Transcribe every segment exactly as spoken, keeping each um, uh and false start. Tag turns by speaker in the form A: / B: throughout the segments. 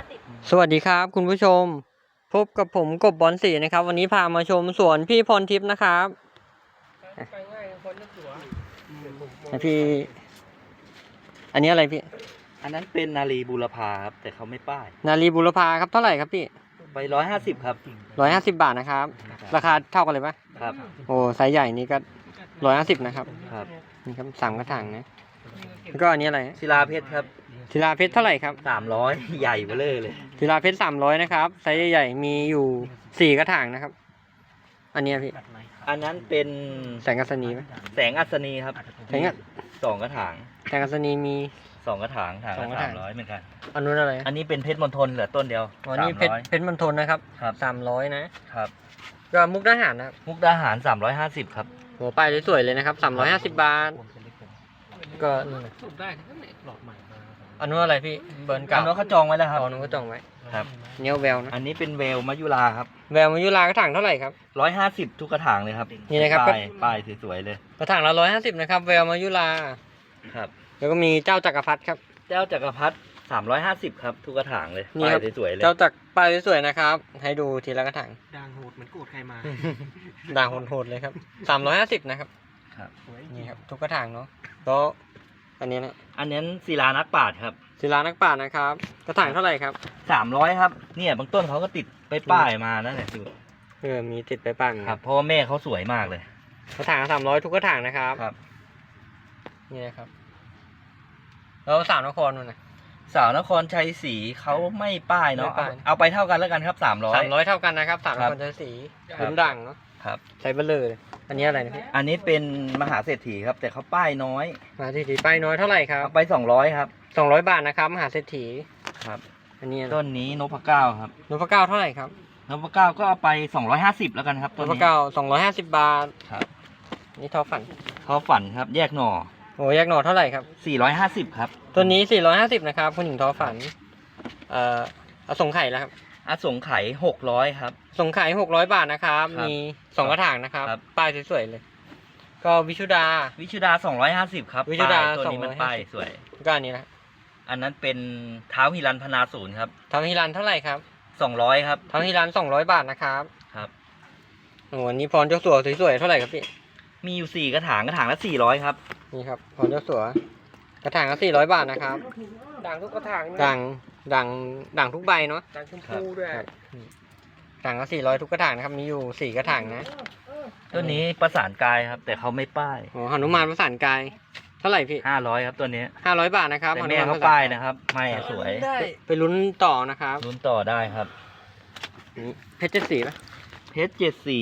A: สวัสดีครับคุณผู้ชมพบกับผมกบบอลสีนะครับวันนี้พามาชมสวนพี่พรทิพย์นะครับไปง่ายคนละสวนพี่อันนี้อะไรพี่
B: อันนั้นเป็นนาลีบูรพาครับแต่เขาไม่ป้าย
A: นาลีบุรพาครับเท่าไหร่ครับพี่
B: ไปร้อยห้าสิบครับ
A: ร้อยห้าสิบบาทนะครับราคาเท่ากันเลยปะ
B: ครับ
A: โอ้ไซส์ใหญ่นี่ก็ร้อยห้าสิบนะครับ
B: ครับ
A: นี่ครับสามกระถางนะแล้วก็อันนี้อะไร
B: ศิลาเพชรครับ
A: ศิลาเพชรเท่าไหร่ครับ
B: สามร้อยใหญ่เบ้อเลยเลย
A: ศิลาเพชรสามร้อยนะครับไซส์ใหญ่ๆมีอยู่สี่กระถางนะครับอันนี้พี่
B: อันนั้นเป็น
A: แสงอัศนีไหม
B: แสงอัศนีครับ
A: แสง
B: สองกระถาง
A: แสงอัศนีมี
B: สองกระถางถางละสามร้อยเหมือนกัน
A: อันนู้นอะไร
B: อันนี้เป็นเพชรมณฑลเหลือต้นเดียว
A: อ๋อนี่เพชรเพชรมณฑลนะครับ
B: ครับ
A: สามร้อยนะครับก็มุกดาหารนะ
B: มุกดาหารสามร้อยห้าสิบครับ
A: โหไปสวยเลยนะครับสามร้อยห้าสิบบาทก็สูบได้ทั้งนั้นหลอดใหม่อันนู้นอะไรพี่เบิร์นกับ
B: อันนู้นเขาจองไว้แล้วครับ
A: อันนู้นเขาจองไว้
B: ครับ
A: เนียวแววนะ
B: อันนี้เป็นเวลมายุราครับ
A: แววมายุรากระถางเท่าไหร่ครับ
B: ร้อยห้าสิบทุกกระถางเลยครับ
A: นี่นะครับ
B: ป้ายป้ายสวยๆเลย
A: กระถางละร้อยห้าสิบนะครับแววมายุรา
B: ครับ
A: แล้วก็มีเจ้าจักรพรรดิครับ
B: เจ้าจักรพรรดิสามร้อยห้าสิบครับทุกกระถางเลย
A: ป้าย
B: สวยๆเลย
A: เจ้าจักรป้ายสวยนะครับให้ดูทีละกระถาง
C: ด่างโหดเหมือนโกรธใครมา
A: ด่างโหดๆเลยครับสามร้อยห้าสิบนะครับ
B: ครับ
A: นี่ครับทุกกระถางเนาะแล้วอันนี้นะ
B: อันนี้ศิลานักปราชญ์ครับ
A: ศิลานักปราชญ์นะครับกระถางเท่าไหร่ครับ
B: สามร้อยครับเนี่ยบางต้นเขาก็ติดไปป้ายมานั่นแหละคือ
A: เออมีติดไปป้าย
B: ครับเพราะว่าแม่เขาสวยมากเลย
A: กระถางสามร้อยทุกกระถางนะครับ
B: ครับ
A: นี่นะครับแล้วสาวนครมันนะ
B: สาวนครชัยศรีเขาไม่ป้ายเนาะเอาไปเท่ากันแล้วกันครับสามร้อย
A: สามร้อยเท่ากันนะครับสาวนครชัยศรีลุ้นดังเนาะ
B: ครับ
A: ใช้เบลเลยอันนี้อะไรนะพี่
B: อันนี้เป็นมหาเศรษฐีครับแต่เขาป้ายน้อย
A: มหาเศรษฐีป้ายน้อยเท่าไหร่ครับ
B: เอาไปสองร้อยครับ
A: สองร้อยบาทนะครับมหาเศรษฐี
B: ครับ
A: อันนี้
B: ต้นนี้นพเก้าครับ
A: นพเก้าเท่าไหร่ครับ
B: นพเก้าก็เอาไปสองร้อยห้าสิบแล้วกันครับ
A: นพเก้าสองร้อยห้าสิบบาท
B: ครับ
A: นี่ทอฝัน
B: ทอฝันครับแยกหน่อ
A: โอ้แยกหน่อเท่าไหร่ครับ
B: สี่ร้อยห้าสิบครับ
A: ตัวนี้สี่ร้อยห้าสิบนะครับคุณหญิงทอฝันเอ่ออสงไข่แล้วครับ
B: อสงไข่หกร้อยครับ
A: สงไข่หกร้อยบาทนะครับมีสองกระถางนะครับป้ายสวยๆเลยก็วิชุดา
B: วิชุดาสองร้อยห้าสิบครับ
A: วิชุดา
B: ตัวนี้มันป้ายสวย
A: ก็อันนี้นะ
B: อันนั้นเป็นเท้าฮิรันพนาศูนย์ครับ
A: เท้าฮิรันเท่าไหร่ครับ
B: สองร้อยครับ
A: เท้าฮิรันสองร้อยบาทนะครับ
B: ครับ
A: โอ้นี่พรเจ้าสัวสวยๆเท่าไหร่ครับพี่
B: มีอยู่สี่กระถางกระถางละสี่ร้อยครับ
A: นี่ครับพรเจ้าสัวกระถางละสี่ร้อยบาทนะครับ
C: ด่างทุกกระถาง
A: ด่างด่างด่างทุกใบเนาะ
C: ด่างชมพูด้วย
A: ด่างละสี่ร้อยทุกกระถางนะครับมีอยู่สี่กระถางนะ
B: ตัวนี้ประสานกายครับแต่เขาไม่ป้าย
A: โอ้หนุมานประสานกายเท่าไหร่พี่
B: ห้าร้อยครับตัวนี้
A: ห้าร้อยบาทนะครับ
B: แต่แม่เขาป้ายนะครับไม่สวย
A: ไปลุ้นต่อนะครับ
B: ลุ้นต่อได้ครับ
A: เพชรเจ็ดสีป่ะ
B: เพชรเจ็ดสี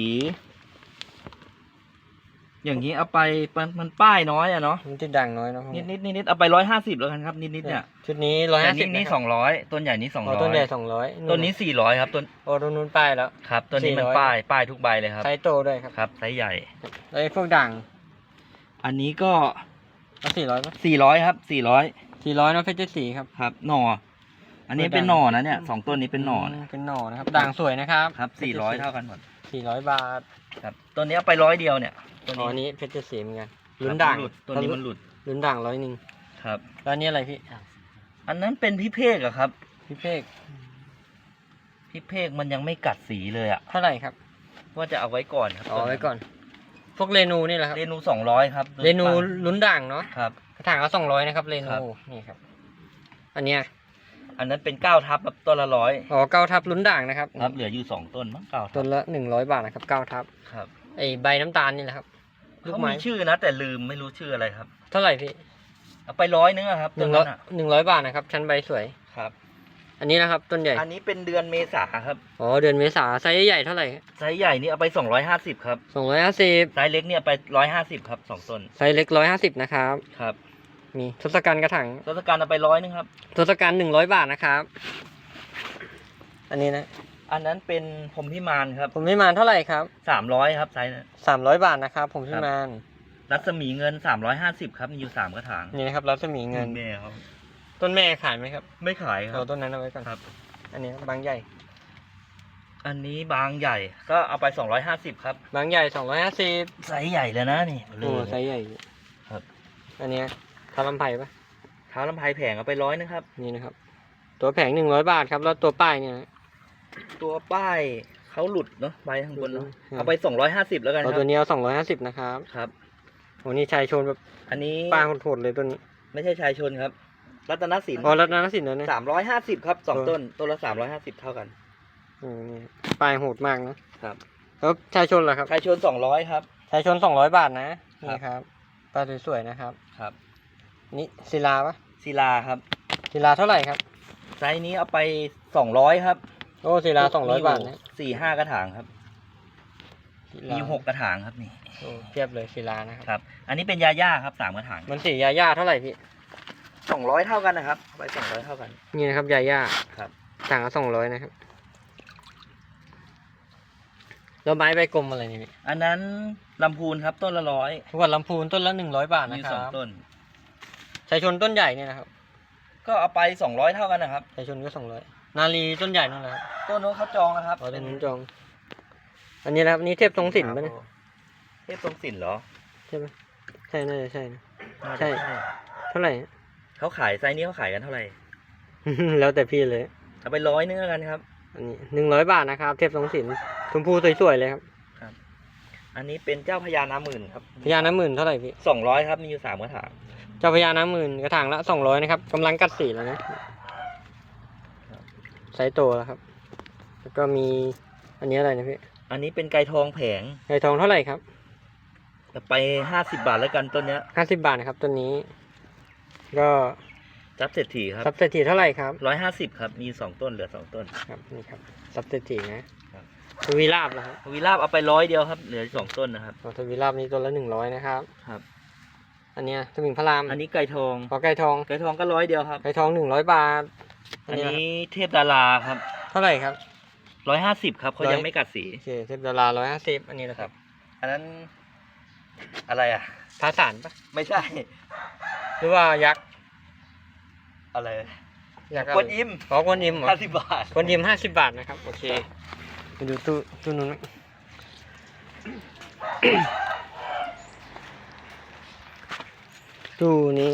B: อย่างนี้เอาไปมันมันป้ายน้อยอะเนาะ
A: มันจะด่างน้อยเนาะ
B: นิดนิดนิดนิดเอาไปร้อยห้าสิบแล้วกันครับนิดนิดเนี่ย
A: ชุดนี้ร้อยห้าสิบ
B: นี้สองร้อยต้นใหญ่นี้สองร้อย
A: ต้นใหญ่สองร้อย
B: ต้นนี้สี่ร้อยครับต้น
A: โอ้ต้นนู้นป้ายแล้ว
B: ครับต้นนี้มันป้ายป้ายทุกใบเลยครับ
A: ไซส์โตด้วยครับ
B: ครับไซส์ใหญ่
A: แล้วพวกด่าง
B: อันนี้ก็
A: สี่ร้อยป่ะ
B: สี่ร้อยครับสี่ร้อย
A: สี่ร้อยเนาะเพชรเจ็ดสีครับ
B: ครับหน่ออันนี้เป็นหน่อนะเนี่ยสองต้นนี้เป็นหน่อ
A: เป็นหน่อนะครับด่างสวยนะครับ
B: ครับสี่ร้อยเท่ากันหมด
A: สี่ร้อยบาท
B: ครับต้นนี้เอาไปร้อยเดียวเนี่ย
A: ตัวนี้เพชรเจ็ดสีเหมือนกันลุ้นด่าง
B: ตัวนี้มันหลุด
A: ลุ้นด่างร้อยหนึ่ง
B: ครับ
A: แล้วนี่อะไรพี่
B: อันนั้นเป็นพิเภกอะครับ
A: พิเภก
B: พิเภกมันยังไม่กัดสีเลยอะ
A: เท่าไหร่ครับ
B: ว่าจะเอาไว้ก่อนครับ
A: เอาไว้ก่อนพวกเรนูนี่แหละครับ
B: เรนูสองร้อยครับ
A: เรนูลุ้นด่างเนาะ
B: ครับ
A: กระถางละสองร้อยนะครับเรนูนี่ครับอันเนี้ย
B: อันนั้นเป็นเก้าทับแบบต้นละร้อย
A: อ๋อเก้าทับลุ้นด่างนะครับ
B: ครับเหลืออยู่สองต้นมั้งเก้า
A: ต้นละหนึ่งร้อยบาทนะครับเก้าทับ
B: ครับ
A: ไอใบน้ำตาลนี่แหละครับ
B: เขามีชื่อนะแต่ลืมไม่รู้ชื่ออะไรครับ
A: เท่าไหร่พี่
B: เอาไปร้อยนึงครับ
A: หนึ่งร้อยหนึ่งร้อยบาทนะครับชั้นใบสวย
B: ครับ
A: อันนี้นะครับต้นใหญ่
B: อันนี้เป็นเดือนเมษาครับ
A: อ๋อเดือนเมษาไซส์ใหญ่เท่าไหร่
B: ไซส์ใหญ่นี่เอาไปสองร้อยห้าสิบครับ
A: สองร้อยห้าสิบ
B: ไซส์เล็กเนี่ยไปร้อยห้าสิบครับสองต้น
A: ไซส์เล็กร้อยห้าสิบนะครับ
B: ครับ
A: มีทศกัณฐ์กระถาง
B: ทศกัณฐ์เอาไปร้อยนึงครับ
A: ทศกัณฐ์หนึ่งร้อยบาทนะครับอันนี้นะ
B: อันนั้นเป็นพรหมพิมานครับ
A: พรหมพิมานเท่าไหร่ครับ
B: สามร้อยครับไซส์
A: สามร้อยบาทนะครับพรหมพิมาน
B: รัศมีเงินสามร้อยห้าสิบครับมีอยู่สามกระถาง
A: นี่นะครับรัศมีเงิน
B: แม่ครับ
A: ต้นแม่ขายไหมครับ
B: ไม่ขายครับ
A: เอาต้นนั้นเอาไว้ก่อน
B: ครับ
A: อันนี้บางใหญ่
B: อันนี้บางใหญ่ก็เอาไปสองร้อยห้าสิบครับ
A: บางใหญ่สองร้อยห้าสิบ
B: ไซส์ใหญ่เลยนะนี่
A: โอ้ไซส์ใหญ่
B: ครับ
A: อันนี้ท้าลำไผ่ปะ
B: ท้าลำไผ่แผงเอาไปร้อยนึงครับ
A: นี่นะครับตัวแผงหนึ่งร้อยบาทครับแล้วตัวป้ายเนี่ย
B: ตัวป้ายเขาหลุดเนาะใบข้างบนเนาะ
A: ครับ
B: เอาไปสองร้อยห้าสิบแล้วกันค
A: เอา
B: รับ
A: ตัวนี้เอาสองร้อยห้าสิบนะครับ
B: ครับ
A: โอ้นี่ชายชนแบบ
B: อันนี้
A: ป้ายโหดๆเลยตัวนี้
B: ไม่ใช่ชายชนครับ รัตนสิน
A: อ๋อรัตนสินนะเนี่ย
B: สามร้อยห้าสิบครับสอง
A: เออ
B: ต้นต้นละสามร้อยห้าสิบเท่ากัน
A: อืมนี่ป้ายโหดมากนะครับ แล้วชายชนเหรอครับ
B: ชายชนสองร้อยครับ
A: ชายชนสองร้อยบาทนะ
B: ครับ
A: นี่ครับป้ายสวยๆนะครับ
B: ครับ
A: นี่ศิลาปะ
B: ศิลาครับ
A: ศิลาเท่าไหร่ครับ
B: ไซส์นี้เอาไปสองร้อยครับ
A: โอ้ศิลาสองร้อยบาทนะ
B: สี่ห้ากระถางครับ
A: ศิ
B: มี
A: ลา
B: อยู่หกกระถางครับนี่
A: โอ้เทียบเลยศิลานะครับ
B: ครับ อันนี้เป็นยาย่าครับสามกระถาง
A: มันสียาย่าเท่าไหร่พี่
B: สองร้อยเท่ากันนะครับเอาไปสองร้อยเท่ากัน
A: นี่นะครับยาย่า
B: ครับ
A: ต่างกันสองร้อยนะครับแล้วไม้ใบกลมอะไรนี่พี่
B: อันนั้นลำพูนครับต้นละร้อย
A: ทุกวันลำพูนต้นละหนึ่งร้อยบาท
B: มี
A: นะค
B: ส
A: รั
B: อง
A: บ
B: ต้น
A: ชายชนต้นใหญ่เนี่ยนะครับ
B: ก็เอาไปสองร้อยเท่ากันนะครับ
A: ชายชนก็สองร้อยนาลีต้นใหญ่นั่นแหละครับ
B: ต้นนู้นเขาจองนะครับ
A: อ๋อต้นนู้นจอง อันนี้นะครับอันนี้เทพทรงสินปะเนี่ย
B: เทพทรงสินเหรอ
A: ใช่ไหมใช่น่าจะใช่นะ
B: น่าจะ
A: ใช่ เท่าไหร่
B: เขาขายไซส์นี้เขาขายกันเท่าไหร่
A: แล้วแต่พี่เลย
B: เอาไปร้อยนึงแล้วกันครับ
A: อันนี้หนึ่งร้อยบาทนะครับ เทพทรงสินชมพูสวยๆเลยครับ
B: อันนี้เป็นเจ้าพญานาหมื่นครับ
A: พญาน้ำหมื่นเท่าไหร่พี่
B: สองร้อยครับมีอยู่สามกระถาง
A: เจ้าพญาน้ำหมื่นกระถางละสองร้อยนะครับกำลังกัดสีแล้วนะไซส์โตแล้วครับ แล้วก็มีอันนี้อะไรนะพี่
B: อันนี้เป็นไก่ทองแผง
A: ไก่ทองเท่าไหร่ครับ
B: จะไปห้าสิบบาทแล้วกันต้นเนี้ย
A: ห้าสิบบาทนะครับตัวนี้ ก็
B: จับเศรษฐีครับ
A: ซับเศรษฐีเท่าไหร่ครับ
B: ร้อยห้าสิบครับมีสองต้นเหลือสองต้น
A: ครับนี่ครับซับเศรษฐีนะครับ ทวีราบแล้วครับ
B: วีราบเอาไปร้อยเดียวครับเหลือสองต้นนะครับ
A: อ๋อทวีราบนี้ตัวละหนึ่งร้อยนะครับ
B: ครับ
A: อันเนี้ยสมิงพระราม
B: อันนี้ไก่ทอง
A: ขอไก่ทอง
B: ไก่ทองก็ร้อยเดียวครับ
A: ไก่ทองหนึ่งร้อยบาท
B: อันนี้เทพดาราครับ
A: เท่าไหร่ครับ
B: ร้อยห้าสิบครับเขา
A: ร้อย
B: ยังไม่กัดสี
A: โอเคเทพดาราร้อยห้าสิบอันนี้นะครับ
B: อันนั้นอะไรอ่ะ
A: พาสารปะ
B: ไม่ใช่
A: หรือว่ายักษ์
B: อะไร
A: ยักษ์
B: กวนอิม
A: ขอกวนอิมเหรอ
B: ห้าสิบบาท
A: กวนอิมห้าสิบบาทนะครับโอเคไปดูตู้ตู้นู้นไหม ตู้นี้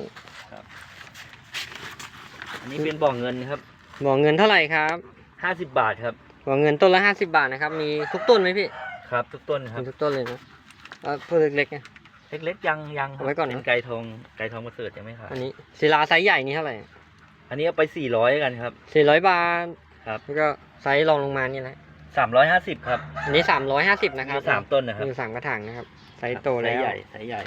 B: อันนี้เป็นบ่อเงินครับ
A: บ่อเงินเท่าไหร่ครับ
B: ห้าสิบบาทครับ
A: บ่อเงินต้นละห้าสิบบาทนะครับมีทุกต้นไหมพี่
B: ครับ ทุกต้นครั
A: มี
B: บ
A: ทุกต้นเลยนะเอาตัวเล็กๆไง
B: เล็กๆยังยังครับ
A: เอาไว้ก่อนนะ
B: เป็นไก่ทองไก่ทองประเสริฐยังไม่ขาย
A: อันนี้ศิลาไซส์ใหญ่นี่เท่าไหร่
B: อันนี้เอาไปสี่ร้อยกันครับ
A: สี่ร้อยบาท
B: ครับ
A: แล้วก็ไซส์รองลงมานี่แหละ
B: สามร้อยห้าสิบครับ
A: อันนี้สามร้อยห้าสิบนะค
B: มี
A: รับ
B: สามต้นนะครับ
A: มีสามกระถางนะครับไซส์โตแล้ว
B: ไซส์ใหญ่ไซส์ใหญ่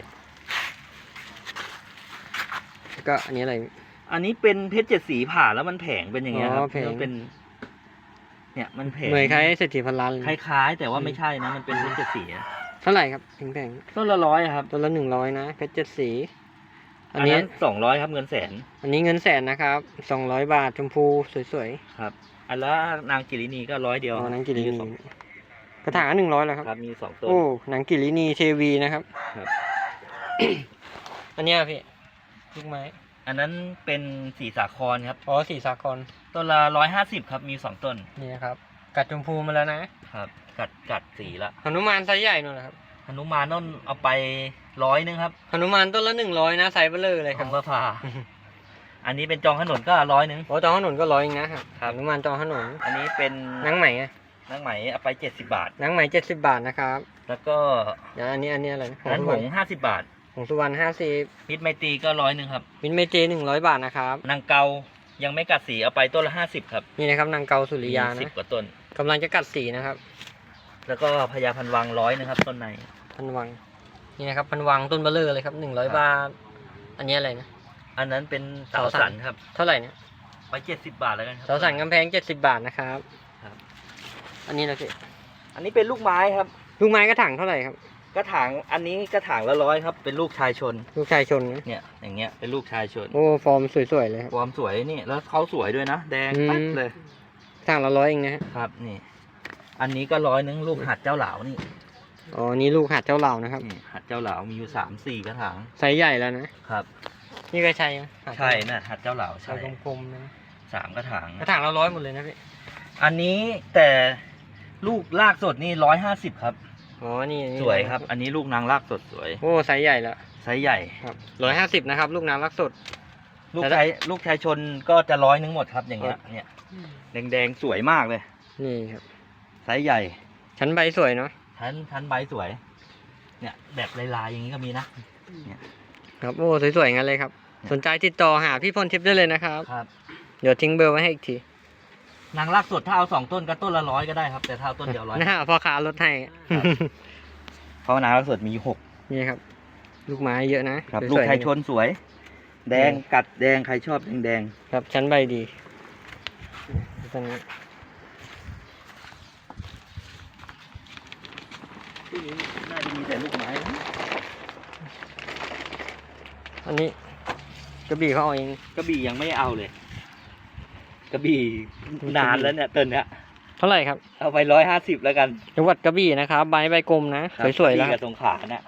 A: แล้วก็อันนี้อะไร
B: อันนี้เป็นเพชรเจ็ดสีผ่าแล้วมันแผงเป็นอย่างเงี้ยครับ
A: อ๋อแผง
B: มันเป็น เนี่ยมันแผง
A: เหมือนคล้ายเศรษฐีพันล้านเลย
B: คล้ายๆ แต่ว่าไม่ใช่นะมันเป็นเพชรเจ็ดสีอะ
A: เท่าไหร่ครับแพง
B: ต้นละร้อยครับ
A: ๆตัวละหนึ่งร้อยนะเพชรเจ็ดสี อั
B: อั
A: น
B: น
A: นี้
B: นั้นสองร้อยครับเงินแสน
A: อันนี้เงินแสนนะครับสองร้อยบาทชมพูสวย
B: ครับ อันละนางกิรินีก็ร้อยเดี
A: ๆ
B: ยว
A: อ๋อหนังกิริ
B: มี
A: นี
B: สอง
A: กระถางหนึ่งร้อยแล้วครับ
B: ครับมีสองต้น
A: โอ้หนังกิรินีเทวีนะครับ
B: ครับ
A: อันเนี้ยพี่ลูกไม้
B: อันนั้นเป็นสีสาครครับ
A: อ๋อสีสากร
B: ต้นละร้อยห้าสิบครับมีสองต้น
A: นี่นะครับกัดชมพูมาแล้วนะ
B: ครับ กัดกัดสีละ
A: หนุมานไซส์ใหญ่นู่นนะครับ
B: หนุมานต้นเอาไปร้อยนึงครับ
A: หนุมานต้นละหนึ่งร้อยนะไซส์เบลเลอร์เลยค
B: ข
A: รั
B: อบ งพระพา อันนี้เป็นจองขนนก็ร้อยนึง
A: โอ้จองถนนก็ร้อยเองนะครับ
B: ครับ
A: หนุมานจองถนน
B: อันนี้เป็น
A: หนังไหมอะ
B: นางไหมเอาไปเจ็ดสิบบาท
A: หนังไหมเจ็ดสิบบาทนะครับ
B: แล้วก็
A: เดี๋ยวอันนี้อันนี้อะไรนะ
B: นั้น
A: สุ
B: ห
A: วรรณ
B: งห้าสิบบาท
A: ของสุวรรณห้าสิบ
B: มิตรไมตรีก็ร้อยหนึ่งครับ
A: มินเมเจหนึ่งร้อยบาทนะครับ
B: นางเกายังไม่กัดสีเอาไปต้นละห้าสิบครับ
A: นี่นะครับนางเกาสุริยา
B: สิบ
A: นะ
B: กว่าต้น
A: กำลังจะกัดสีนะครับ
B: แล้วก็พญาพันวังร้อยนะครับต้นใน
A: พันวังนี่นะครับพันวังต้นเบลเลอร์เลยครับหนึ่งร้อยบาท อันนี้อะไรนะ
B: อันนั้นเป็นเสา
A: เสาสั
B: สั
A: น
B: นครับ
A: เท่าไหร่เนี่ย
B: ไปเจ็ดสิบบาทแล้วกันครั
A: เสาสันกำแพงเจ็ดสิบบาทนะครับ
B: ครับ
A: อันนี้เราสิ
B: อันนี้เป็นลูกไม้ครับ
A: ลูกไม้กระถางเท่าไหร่ครับ
B: กระถางอันนี้กระถางละร้อยครับเป็นลูกชายชน
A: ลูกชายชนนะ
B: เนี่ยอย่างเงี้ยเป็นลูกชายชน
A: โอ้ฟอร์มสวยๆเลยครับ
B: ความสวยนี่แล้วเขาสวยด้วยนะแดง
A: อืม
B: แป๊ดเลย
A: กระถางละร้อยเองนะฮะ
B: ครับนี่ อันนี้ก็ร้อยนึงลูกหัดเจ้าเหลานี่
A: อ๋อนี่ลูกหัดเจ้าเหล่านะครับ
B: นี่หัดเจ้าเหลามีอยู่สามสี่กระถาง
A: ไซส์ใหญ่แล้วนะครับ นี่ก็ใช่ไหมหัด
B: ใช่นะหัดเจ้าเหลา
A: ใช่
B: ใช่
A: กลมๆนะ
B: สามกระถาง
A: กระถางละร้อยหมดเลยนะพี่
B: อันนี้แต่ลูกลากสดนี่ร้อยห้าสิบครับ
A: อ๋อนี่นี่
B: สวยครับ อันนี้ลูกนางลากสดสวย
A: โอ้ไซส์ใหญ่แล้ว
B: ไซส์ใหญ่
A: ครับร้อยห้าสิบนะครับ ลูกน้ำรักสด
B: ลูกชายลูกชายชนก็จะร้อยนึงหมดครับอย่างเงี้ยเนี่ยแดงๆสวยมากเลย
A: นี่ครับ
B: ไซส์ใหญ่
A: ชั้นใบสวยเนาะ
B: ชั้นชั้นใบสวย เนี่ยแบบลายๆอย่างนี้ก็มีนะ
A: ครับโอ้สวยๆงั้นเลยครับ สนใจติดต่อหาพี่พรทิพย์ได้เลยนะครับ
B: ครับ
A: เดี๋ยวทิ้งเบอร์ไว้ให้อีกที
B: นางรักสดถ้าเอาสองต้นก็ต้นละร้อยก็ได้ครับ แต่ถ้าเอาต้นเดียวร้อย
A: หน้าพ่อค้าลดให้
B: ครับ เพราะนางรักสดมีหก
A: นี่ครับ ลูกไม้เยอะนะครับ
B: ลู
A: ส
B: ก
A: วยๆ
B: ชายชนสวย แดงกัดแดงใครชอบแดงแดง
A: ครับชั้นใบดีต้นนี้
B: ที่นี้น่าจะมีแต่ลูกไม้นะ
A: อันนี้กระบี่เขาเอาเอง
B: กระบี่ยังไม่เอาเลย กระบี่นานแล้วเนี่ยต้นเนี้ย
A: เท่าไหร่ครับ
B: เอาไปร้อยห้าสิบแล้วกัน
A: จังหวัดกระบี่นะครับใบใบกลมนะ
B: ครับ
A: สวยๆ
B: ก
A: แล้
B: ระ
A: ว
B: บี่กับสงขลาเนี่ย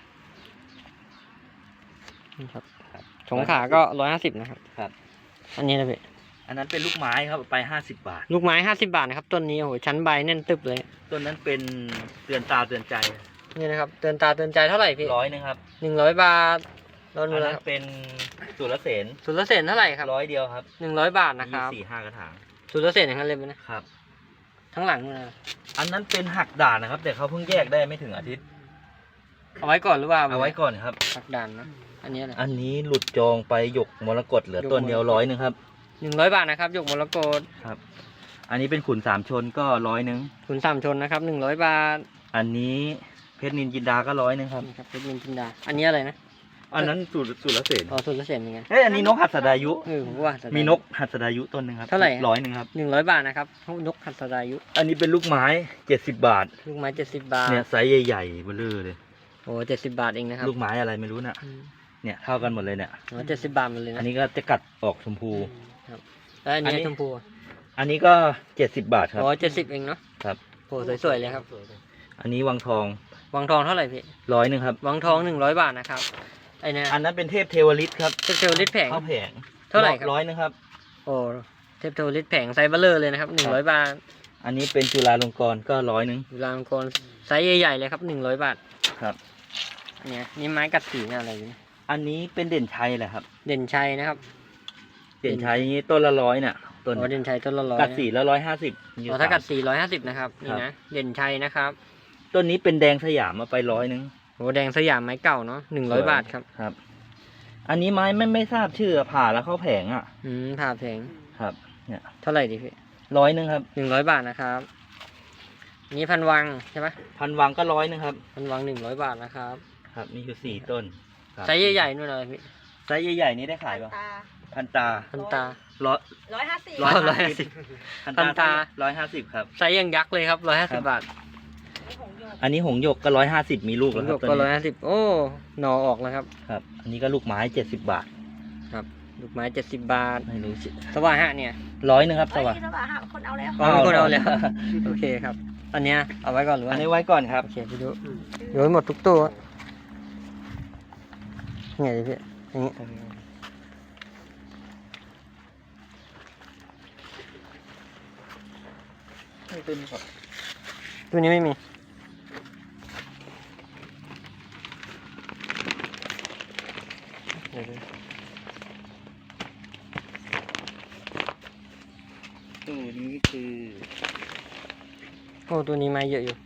A: นี่ครับสงขลาก็ร้อยห้าสิบนะครับ
B: ครับ
A: อันนี้นะพี่
B: อันนั้นเป็นลูกไม้ครับเอาไปห้าสิบบาท
A: ลูกไม้ห้าสิบบาทนะครับต้นนี้โอ้โหชั้นใบแน่นตึบเลย
B: ต้นนั้นเป็นเตือนตาเตือนใจ
A: นี่นะครับเตือนตาเตือนใจเท่าไหร่พี่
B: ร้อยนึงครับ
A: หนึ่งร้อยบาทโดน
B: อัน
A: มาแล้
B: นั้
A: วน ครับ
B: เป็นสุรเสน
A: สุรเสนเท่าไหร่ครับ
B: ร้อยเดียวครับ
A: หนึ่งร้อยบาทนะค
B: มี
A: รับ
B: สี่ห้ากระถาง
A: สุรเสนอย่างนั้นเลยไหมนะครับ ทั้งหลังเลยนะ
B: อันนั้นเป็นหักด่านนะครับ แต่เขาเพิ่งแยกได้ไม่ถึงอาทิตย์
A: เอาไว้ก่อนหรือเปล่า
B: เอาไว้ก่อนครับ
A: สักด่านนะอันนี้อะไร
B: อันนี้หลุดจองไปหยกมรกตเหลือต้นเดียวร้อยนึงครับ
A: หนึ่งร้อยบาทนะครับหยกมรกต
B: ครับ อันนี้เป็นขุนสามชนก็ร้อยนึง
A: ขุนสามชนนะครับหนึ่งร้อยบาท
B: อันนี้เพชรนินจินดาก็ร้อยนึงครับ
A: นี่ครับเพชรนินจินดาอันนี้อะไรนะ
B: อันนั้นสุรสุรเสน
A: อ๋อสุรเสนเหมือนกัน
B: เฮ้ยอันนี้นกหัสดายุ
A: เออผมก็ว่า
B: มีนกหัสดายุต้นหนึ่งครับ
A: เท่าไหร่
B: ร้อยหนึ่งครับ
A: หนึ่งร้อยบาทนะครับนกขัดสดายุ
B: อันนี้เป็นลูกไม้เจ็ดสิบบาท
A: ลูกไม้เจ็ดสิบบาท
B: เนี่ยไซส์ใหญ่ๆเบลอเลย
A: โอ้เจ็ดสิบบาทเองนะครับ
B: ลูกไม้อะไรไม่รู้น่ะ
A: อืม
B: เนี่ยเท่ากันหมดเลยเนี่ย
A: อ๋อเจ็ดสิบบาทหมดเลยนะ
B: อันนี้ก็จะกัดออกชมพู
A: ครับแล้วอันนี้
B: อันนี้
A: ชมพู
B: อันนี้ก็เจ็ดสิบบาทครับ
A: อ๋อเจ็ดสิบเองเนาะ
B: ครับ
A: โอ้สวยๆเลยครับ
B: อันนี้วังทอง
A: วังทองเท่าไหร่พี่
B: ร้อยหนึ่งครับ
A: วังทองหนึ่งร้อยบาทนะครับไอเนี่ย
B: อันนั้นเป็นเทพเทวฤทธิ์ครับ
A: เทพเทวฤทธิ์แผง
B: ข้าวแผง
A: เท่าไหร่ครับ
B: ร้อยหนึงครับ
A: โอ้เทพเทวฤทธิ์แผงไซส์เบลเลอร์เลยนะครับหนึ่งร้อยบาท
B: อันนี้เป็นจุฬาลงกรณ์ก็ร้อยหนึ่ง
A: ดูรางกรไซส์ใหญ่ๆเลยครับหนึ่งร้อยบาท
B: ครับ
A: อันเนี้ยนี่ไม้กัดสีเนี่ยอะไรเนี่ย
B: อันนี้เป็นเด่นชัยแหละครับ
A: เด่นชัยนะครับ
B: เด่นชัยนี่ต้นละร้อยน่ะต้น
A: อ๋อเด่นชัยต้นละร้อย
B: กัดสีแล้วร้อยห้าสิบ
A: อ๋อถ้ากัดสี่ร้อยห้าสิบนะครับนี่นะเด่นชัยนะครับ
B: ต้นนี้เป็นแดงสยามมาไปร้อยหนึ่ง
A: โอ้แดงสยามไม้เก่าเนาะหนึ่งร้อยบาทครับ
B: ครับ อันนี้ไม้ไม่ไม่ทราบชื่อผ่าแล้วเข้าแผงอ่ะ
A: อืมผ่าแผง
B: ครับ เนี่ย
A: เท่าไหร่ดีพี่
B: ร้อยหนึ่งครับ
A: หนึ่งร้อยบาทนะครับอันนี้พันวังใช่ปะ
B: พันวังก็ร้อยหนึ่งครับ
A: พันวังหนึ่งร้อยบาทนะครับ
B: ครับมีอยู่สี่ต้นครับ
A: ไซส์ใหญ่ๆนู่นเลยพี่
B: ไซส์ใหญ่ๆนี้ได้ขายป่ะ
D: ตา
B: พันตา
A: พันตา
B: ร้อย
D: ร้อยห้าสิบ
A: ร้อยร้อยห้าสิบ
B: พัน
A: พันตา
B: ตาร้อยห้าสิบครับ
A: ไซส์ยังยักษ์เลยครับร้อยห้าสิบบาท
B: อันนี้หงส์หยกก็ร้อยห้าสิบมีลูกแล้วค
A: ลู
B: รับ
A: ก
B: ต้
A: ก็
B: น
A: ร้อย
B: นี้
A: ห้าสิบโอ้หนอออกแล้วครับ
B: ครับ อันนี้ก็ลูกไม้เจ็ดสิบบาท
A: ครับลูกไม้เจ็ดสิบบาท
B: ไม่รู้สิ
A: สว่าฮะเนี่ย
B: ร้อยหนึ่งครับส
D: เอ้ย
B: วัส
D: นี่ระหว่างหาคนเอาแล้ว
A: อ๋อมีคนเอาแล้ว โอเคครับ อันเนี้ยเอาไว้ก่อนหรือ
B: อั
A: ว่าน
B: นี้ไว้ก่อนครับ
A: โอเคพี่ดูโยนหมดทุกตัวไงดิพี่อย่างงี้
B: ต้นนี้ก่อน
A: ตัวนี้ไม่มีเดี๋ยวดู
B: ตัวนี้คือ
A: โอ้ตัวนี้ไม้เยอะอยู่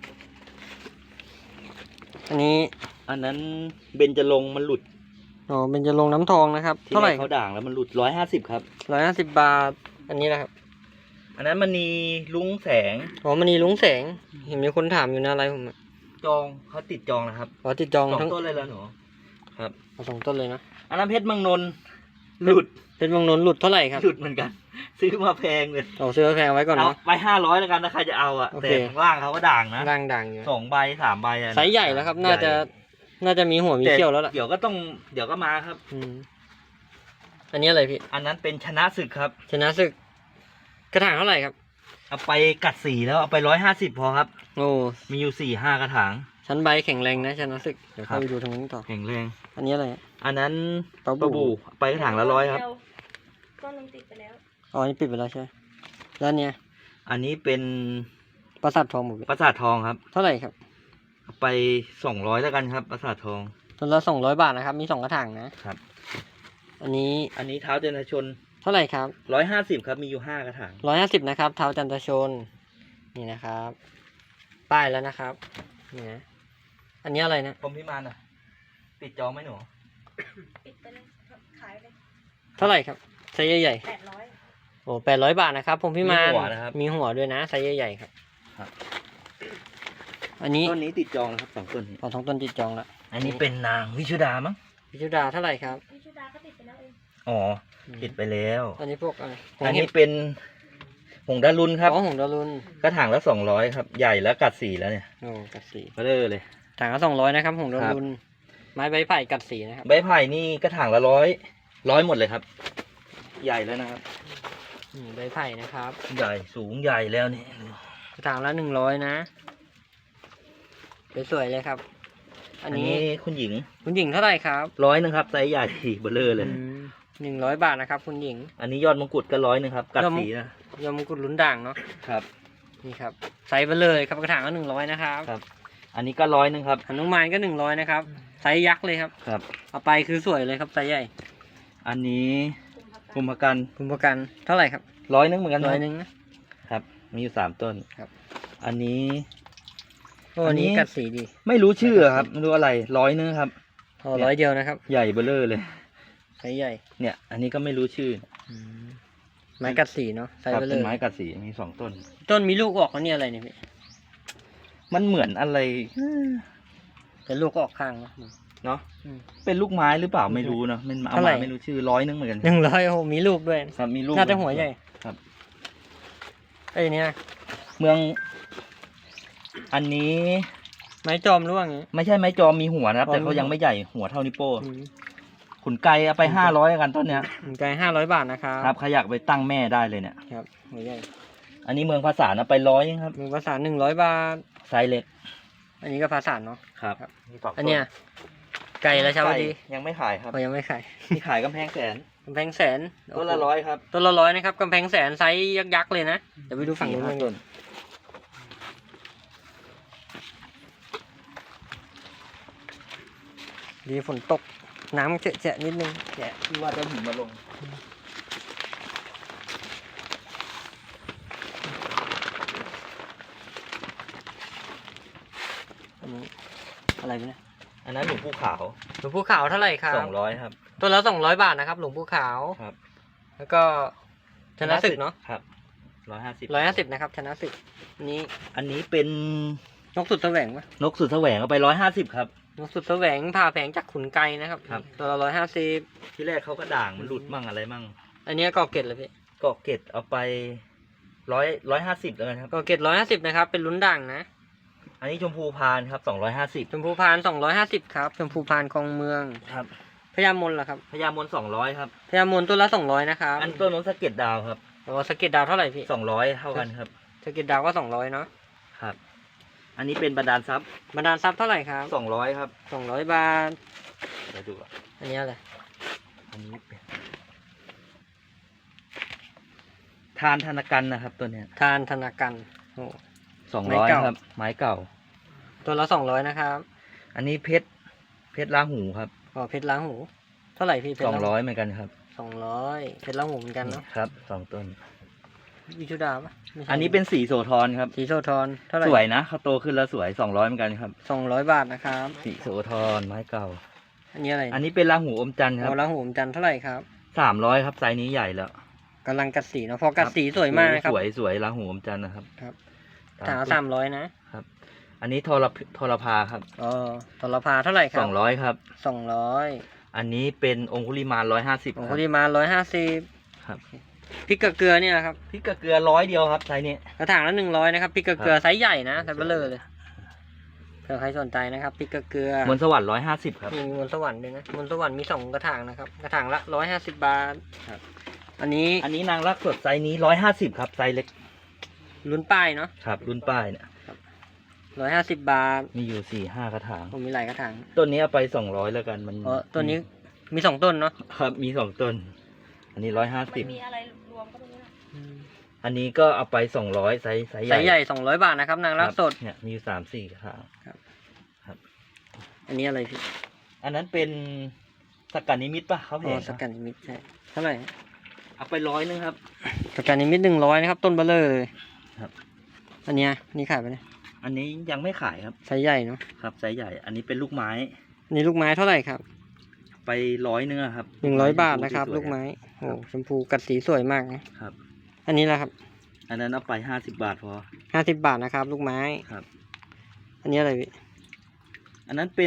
A: อันนี้
B: อันนั้นเบญจรงค์มันหลุด
A: อ๋อเป็นจะลงน้ำทองนะครับ
B: ที่
A: เท่าไหร่
B: แรกเขาด่างแล้วมันหลุดร้อยห้าสิบครับ
A: ร้อยห้าสิบบาท อันนี้นะครับ
B: อันนั้นมันมีลุงแสง
A: อ๋อมันนีลุงแสง เห็นมีคนถามอยู่นะอะไรผมอะ
B: จองเขาติดจองนะครับ
A: อ๋อติดจอง
B: สอง
A: ทั้ง
B: ต้นเลยแล้วหนูครับ
A: เอาสองต้นเลยนะ
B: อันนั้นเพชรเมังนนท์หลุด
A: เป็นบางนนท์หลุดเท่าไหร่ครับ
B: หลุดเหมือนกัน ซื้อมาแพงเลย
A: เอาซื้อแพงไว้ก่อน
B: เอา
A: เนาะ
B: ไปห้าร้อยแล้วกันถ้าใครจะเอาอะ
A: โอ
B: แต่
A: เค
B: ข้างล่างเขาก็ด่างนะ
A: ร่างด่างอยู่
B: สองใบสามใบอะ
A: ไซส์ใหญ่แล้วครับ น่าจะ น่าจะมีหัวมี
B: แต่
A: เขี้ยวแล้วล่ะ
B: เดี๋ยวก็ต้องเดี๋ยวก็มาครับ
A: อืมอันนี้อะไรพี่
B: อันนั้นเป็นชนะศึกครับ
A: ชนะศึก กระถางเท่าไหร่ครับ
B: เอาไปกัดสีแล้วเอาไปร้อยห้าสิบพอครับ
A: โอ้
B: มีอยู่สี่ห้ากระถาง
A: ชั้นใบแข็งแรงนะชนะศึก เดี๋ยว
B: ครั
A: เข้า
B: บ
A: ไปดูทางนี้นต่อ
B: แข็งแรง
A: อันนี้อะไรอะ
B: อันนั้น
A: ปลา
B: ปลา
A: บู่
B: บูไปกระถางละร้อยครับ
D: ต้นหนึงติดไปแล้ว
A: อ๋ออันนี้ปิดไปแล้วใช่ไหมแล้วอันเนี้ย
B: อันนี้เป็น
A: ปราสาททองหมด
B: ปราสาททองครับ
A: เท่าไหร่ครับ
B: เอาไปสองร้อยแล้วกันครับปราสาททอง
A: ต้นละสองร้อยบาทนะครับ มีสองกระถางนะ
B: ครับ
A: ออันนี้
B: อันนี้เท้าจันทชน
A: เท่าไหร่ครับ
B: ร้อยห้าสิบครับมีอยู่ห้ากระถาง
A: ร้อยห้าสิบนะครับเท้าจันทชนนี่นะครับ ป้ายแล้วนะครับนี่นะอันนี้อะไรนะ
B: ผมพิมานอ่ะติดจองไหมหนู
D: ปิดไปเลย ขายเลย
A: เท่าไหร่ครับไซส์ใหญ่
D: แปดร้อย
A: ๆโอ้แปดร้อยบาทนะครับผมพี่มาน
B: หัวนะครับ
A: มีหัวด้วยนะไซส์ใหญ่ๆครับ
B: ครับ
A: อันนี้
B: ต้นนี้ติดจองนะครับสองต้นนี้
A: พอท้องต้นติดจองแล้ว
B: อันนี้เป็นนางวิชุดามั้ง
A: พิจุดาเท่าไหร่ครับ
D: พิชุดาก็ติดไปแล้วเอง
B: อ๋อติดไปแล้ว
A: อันนี้พวกอะไร
B: อันนี้เป็นหงดารุนครับ
A: อ๋อหงดารุน
B: กระถางละสองร้อยครับใหญ่แล้วกัดสีแล้วเนี่ย
A: โอ้กัดสี
B: ก็เลยเลย
A: ถังละสองร้อยนะครับหงดา
B: ครับ
A: รุนไม้ใบไผ่กัดสีนะครับ
B: ใบไผ่นี่กระถางละร้อยร้อยหมดเลยครับ ใหญ่แล้วนะครับ
A: อืมใบไผ่นะครับ
B: ใหญ่สูงใหญ่แล้วนี่
A: กระถางละหนึ่งร้อยนะสวยๆเลยครับ อั
B: อั
A: น
B: น
A: นี้
B: นี้คุณหญิง
A: คุณหญิงเท่าไหร่ครับ
B: ร้อยนึงครับไซส์ใหญ่เบลเลอร์เลย
A: หนึ่งร้อยบาทนะครับ คุณหญิง
B: อันนี้ยอดมงกุฎก็ร้อยนึงครับกัดสีนะ
A: ยอมงกุฎลุ้นด่างเนาะ
B: ครับ
A: นี่ครับไซส์ไปเลยครับกระถางก็หนึ่งร้อยนะครับ
B: ครับ อันนี้ก็ร้อยนึงครับ
A: หนุมานก็หนึ่งร้อยนะครับไซส์ยักษ์เลยครับ
B: ครับ
A: เอาไปคือสวยเลยครับไซส์ใหญ่
B: อันนี้คุมพกัน
A: คุณประกันเท่าไหร่ครับ
B: ร้อยนึงเหมือนกัน
A: ร้อย
B: นะ
A: หนึ่งนะครับ
B: มีอยู่สามต้น
A: ครับ
B: อันนี้
A: โอ้
B: อั
A: อั
B: น
A: น
B: นี้
A: นี้กัดสีดี
B: ไม่รู้ชื่อครับไม่รู้อะไรร้อยนึงครับ
A: โอ้ร้อยเดียวนะครับ
B: ใหญ่เบลเลอร์เลย
A: ไซส์ใหญ่
B: เนี่ย อันนี้ก็ไม่รู้ชื่อ
A: ไม้กัดสีเนาะไซ
B: ค
A: ส์
B: รับ
A: ไปเล
B: เป็น
A: ย
B: ไม้กัดสีมีสองต้น
A: ต้นมีลูกออกแล้วเนี่ยอะไรเนี่ยพี่
B: มันเหมือนอะไร
A: แต่ลูกก็ออกข้างเนาะ
B: เนาะ
A: อืม
B: เป็นลูกไม้หรือเปล่าไม่รู้เนาะมันเอา
A: เท่าไหร่
B: มาไม่รู้ชื่อร้อยนึงเหมือนกัน
A: หนึ่งร้อยโอ้โหมีลูกด้วย
B: ครับมีลูก
A: น่าจะหัวใหญ่
B: ครับ
A: ไอ้ยเนี่ย
B: เมือง อันนี้
A: ไม้จอมร่วงอย่างงี้
B: ไม่ใช่ไม้จอมมีหัวนะครับ
A: อ๋อ
B: แต่เขา
A: มีหัว
B: ยังไม่ใหญ่หัวเท่านิ้วโป้ง
A: อืม
B: ขุนไก่เอาไปห้าร้อยกันต้นเนี้ย
A: หนึ่งไก่ห้าร้อยบาทนะครับ
B: ครับขยักไปตั้งแม่ได้เลยเนี่ย
A: ครับหัวใหญ่
B: อันนี้เมืองภาษานะไปร้อยครับ
A: มือภาษาหนึ่งร้อยบาท
B: ไซส์เล็ก
A: อันนี้ก็ภาษาเนาะ
B: ครับ
A: ครับ
B: มีสงต้
A: อันเนี้ยไก่ราชาวดี
B: ไก่ยังไม่ขายครับ
A: เขายังไม่ขาย
B: มีขายกำแพงแสน
A: กำแพงแสน
B: ต้นละร้อยครับ
A: ต้นละร้อยนะครับกำแพงแสนไซส์ยักษ์ๆเลยนะเดี๋ยวไปดูฝั่งนู้น
B: สี่
A: กั
B: ห้าน ต้น
A: ดีฝนตกน้ำเจะๆนิดนึงแฉะ
B: ที่ว่าจะหินมาลง
A: อันนี้อะไรไปเนี่ย
B: อันนั้นหลวงปู่ขาว
A: หลวงปู่ขาวเท่าไหร่ครับ
B: สองร้อยครับ
A: ต้นละสองร้อยบาทนะครับหลวงปู่ขาว
B: ครับ
A: แล้วก็ชนะศึกเนาะ
B: ครับร้อยห้าสิบ
A: ร้อยห้าสิบนะครับชนะศึกอันนี้
B: อันนี้เป็น
A: นกสุดแสวงปะ
B: นกสุดแสวงเอาไปร้อยห้าสิบครับ
A: นกสุดแสวงผ่าแผงจากขุนไกรนะครับ
B: ครับ
A: ตัวละร้อยห้าสิบ
B: ที่แรกเขาก็ด่างมันหลุดมั่งอะไรมั่ง
A: อันนี้กอเกตเลยพี่
B: เกาะเกร็ดเอาไปร้อยร้อยห้าสิบแล้วกันครับ
A: กอเกตร้อยห้าสิบนะครับเป็นลุ้นด่างนะ
B: อันนี้ชมพูพานครับสองร้อยห้าสิบ
A: ชมพูพานสองร้อยห้าสิบครับชมพูพานคลองเมือง
B: ครับ
A: พญามนเหรอครับ
B: พญามนสองร้อยครับ
A: พญามนตัวละสองร้อยนะครับ
B: อันต้นนกสะเก็ดดาวครับ
A: โอ้สะเก็ตดาวเท่าไหร่พี่
B: สองร้อยเท่ากันครับ
A: สะเก็ตดาวก็สองร้อยเนาะ
B: ครับ อันนี้เป็นบรรดาลทรัพย์
A: บรรดาลทรัพย์เท่าไหร่ครับ
B: สองร้อยครับ
A: สองร้อยบาท
B: เดี๋ยวดูก่อน
A: อันนี้อะไร
B: อันนี้เป็นทานธนกันนะครับตัวเนี้ย
A: ทานธนากันโอ้
B: สอง
A: ไม้
B: ร้อย
A: เก่า
B: ครับ ไม้เก่า
A: ตัวละสองร้อยนะครับ
B: อันนี้เพชรเพชรลาหูครับ
A: อ๋อเพชรล้างหู เท่าไหร่พี่เพชร
B: สอง
A: ล้างหู
B: ร้อยเหมือนกันครับ
A: สองร้อยเพชรล้างหูเหมือนกันเนาะ
B: ครับสองต้น
A: วิชุดาปะไม่ใช่
B: อันนี้เป็นสีโสธรครับ
A: สีโซทอนเท่าไหร่
B: สวยนะเขาโตขึ้นแล้วสวยสองร้อยเหมือนกันครับ
A: สองร้อยบาทนะครับ
B: สีโสธรไม้เก่า
A: อันนี้อะไร
B: อันนี้เป็นลาหูอมจันทร์ครับ
A: เอาล้างหูผมจันทร์เท่าไหร่ครับ
B: สามร้อยครับไซส์นี้ใหญ่แล้ว
A: กำลังกัดสีเนาะพอกัดสีสวยมากนะครับ
B: สวยสวยลาหูอมจันทร์นะครับ
A: ครับ
B: ตาม
A: ถางละสามร้อยนะ
B: อันนี้ทรพทรพาครับ
A: อ๋อตลพาเท่าไหร่ครั
B: ส
A: บ
B: องร้อยครับ
A: สองร้อย
B: อันนี้เป็นองคุลิมานร้อยห้าสิบ
A: ของ
B: ค
A: คุ
B: รับ
A: ณีมาร้อยห้าสิบ
B: ครับ
A: พริกกระเกลือเนี่ยครับ
B: พริกกระเกลือร้อยเดียวครับไซส์นี้
A: กระถางละหนึ่งร้อยนะครับพริกกระเกลือ
B: ครับ
A: ไซส์ใหญ่นะไซส์เบลเลอร์เลยเผื่อใครสนใจนะครับพริกกระเกลือ
B: มนต์สวรรค์ร้อยห้าสิบครับ
A: มีมนต์สวรรค์ด้วยนะมนต์สวรรค์มีสองกระถางนะครับกระถางละร้อยห้าสิบบาท
B: ครับ
A: อันนี้
B: อันนี้นางรักสดไซส์นี้ร้อยห้าสิบครับไซส์เล็ก
A: ลุ้นป้ายเนาะ
B: ครับ รุ่นป้ายเนี่ย
A: ร้อยห้าสิบบาท
B: มีอยู่สี่ห้ากระถาง
A: ผมมีหลายกระถาง
B: ต้นนี้เอาไปสองร้อยแล้วกันมัน
A: เพราะตัวนี้มีสองต้นเนาะ
B: ครับมีสองต้น อันนี้ร้อยห้า
D: มั
B: สิบ
D: นมีอะไรรวมก็ไม่รู้นะ
B: อันนี้ก็เอาไปสองร้อยไซส์ไซส์ให
A: ไซ
B: ญ่
A: ส์ใหญ่สองร้อยบาทนะครับนางรักสด
B: ครับเนี่ยมีอยู่สามสี่กระถาง
A: อันนี้อะไรพี่
B: อันนั้นเป็นสกัดนิมิตป่ะเขา
A: อ๋
B: เห็
A: อน สกัดนิมิตใช่เท่าไหร่
B: เอาไปร้อยนึงครับ
A: สกัดนิมิตหนึ่งร้อยนะครับ ต้นเบลเลอร์เลย
B: ครับ
A: อันเนี้ยนี่ขายไปเนี่ย
B: อันนี้ยังไม่ขายครับ
A: ไซส์ใหญ่เนาะ
B: ครับไซส์ใหญ่ อันนี้เป็นลูกไม้
A: อันนี่ลูกไม้เท่าไหร่ครับ
B: ไปร้อยนึงอะครับ
A: หนึ่งร้อยบาทนะครับ
B: สวยๆ
A: ลูกไม้โอ้ชมพูกัดสีสวยมากนะครับ อันนี้ละครับ
B: อันนั้นเอาไปห้าสิบบาทพอ
A: ห้าสิบบาทนะครับ ลูกไม้
B: ครับ
A: อันนี้อะไรพี่
B: อันนั้นเป็น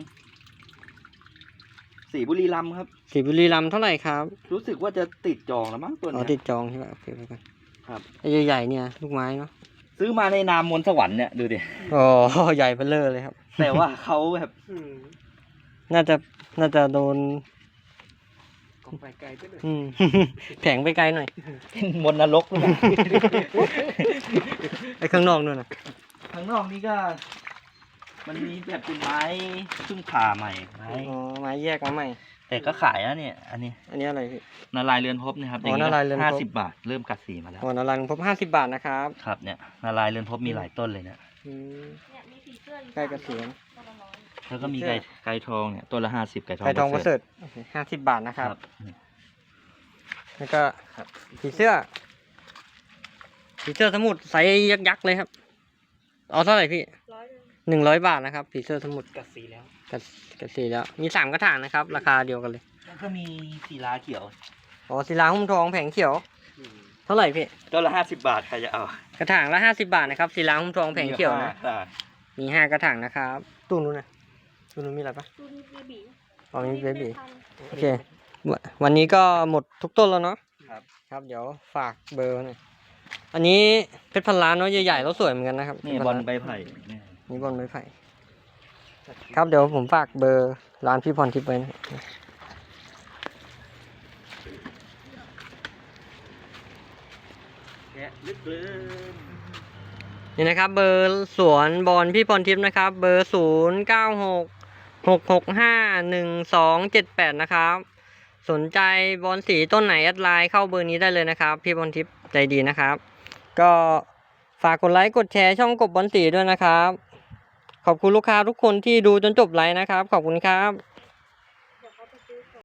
B: สีบุรีรัมย์ครับ
A: สีบุรีรัมย์เท่าไหร่ครับ
B: รู้สึกว่าจะติดจองแล้วมั้งตัว
A: อ๋อ
B: เนี้ย
A: ติดจองใช่ไหมโอเคไปก่อน
B: ครับ
A: ไอ้ใหญ่ๆเนี่ยลูกไม้เนาะ
B: ซื้อมาในนามมนต์สวรรค์เนี่ยดูดิ
A: อ๋อ ใหญ่เบลเลอร์เลยครับ
B: แต่ว่าเขาแบบ
C: อืม
A: น่าจะน่าจะโดน
C: ก็ไปไกลไปเลย
A: อืม แผงไปไกลหน่อย
B: เป็นมนต์นรกเลยนะ
A: ไอ้ข้างนอกนู่นนะ
B: ข้างนอกนี่ก็ มันมีแบบเป็นไม้เพึ่งผ่าใหม่ไม้
A: อ๋อไม้แยกมาใหม่
B: แต่ก็ขายนะเนี่ย อันนี้
A: อันนี้อะไรพี่
B: นาลายณ์เรือนภพนะครับ
A: อ๋อนาลายณ์เรือนภพ
B: ห้าสิบบาท เริ่มกัดสีมาแล้ว
A: อ๋อนารันพบห้าสิบบาทนะครับ
B: ครับเนี่ยนาลายณ์เรือนภพมีหลายต้นเลยเนี่ย
A: อืม
D: เนี่ยมีผีเสื้ออยู่
A: ใกล้เกษียณ
D: ตัวละร้อย
B: แล้วก็มี
A: เสื้
B: ไก่
A: อ
B: ไก่ทองเนี่ยต้นละห้าสิบไก่ทอง
A: ไก่ทองประ
B: ประ
A: เส
B: เส
A: ริ
B: ริ
A: ฐ
B: ฐ
A: ห้าสิบบาทนะครับ
B: ครับ
A: แล้วก็ผีเสื้อผีเสื้อสมุดไซส์ยักษ์ๆเลยครับเอาเท่าไหร่พี่
D: ร้อยหนึ่ง
A: หนึ่งร้อยบาทนะครับผีเสื้อสมุด
C: กัดสีแล้ว
A: กับกับสีแล้ว มีสามกระถางนะครับ ราคาเดียวกันเลย
B: แล้วก็มีศิลาเขียว
A: อ๋อศิลาหุ้มทองแผงเขียว
C: อืม
A: เท่าไหร่พี่
B: ต้นละห้าสิบบาทใครจะเอา
A: กระถางละห้าสิบบาทนะครับศิลาหุ้มทองแผงเขียวนะ
B: ได้
A: มีห้ากระถางนะครับตู้นู้นนะตู้นู้นมีอะไรปะ
D: ดูมีบี
A: อ๋อมีเบบี
D: พัน
A: โอเค ววันนี้ก็หมดทุกต้นแล้วเนาะ
B: ครับ
A: ครับ เดี๋ยวฝากเบอร์หน่อยอันนี้เพชรพันล้านเนาะใหญ่ๆแล้วสวยเหมือนกันนะครับ
B: นี่
A: เพชร
B: บ
A: พั
B: อล
A: ล้าน
B: ใบไผ่เนี่ย
A: นี่บอลไม้ไผ่ครับเดี๋ยวผมฝากเบอร์ร้านพี่พรทิพย์ไว้นะ
B: แกะลึกเลย
A: นี่นะครับ เบอร์สวนบอลพี่พรทิพย์นะครับ เบอร์ศูนย์เก้าหกหกหกห้าหนึ่งสองเจ็ดแปดนะครับ สนใจบอลสีต้นไหนแอดไลน์เข้าเบอร์นี้ได้เลยนะครับ พี่พรทิพย์ใจดีนะครับ ก็ฝากกดไลค์กดแชร์ช่องกบบอลสีด้วยนะครับ ขอบคุณลูกค้าทุกคนที่ดูจนจบไลฟ์นะครับ ขอบคุณครับ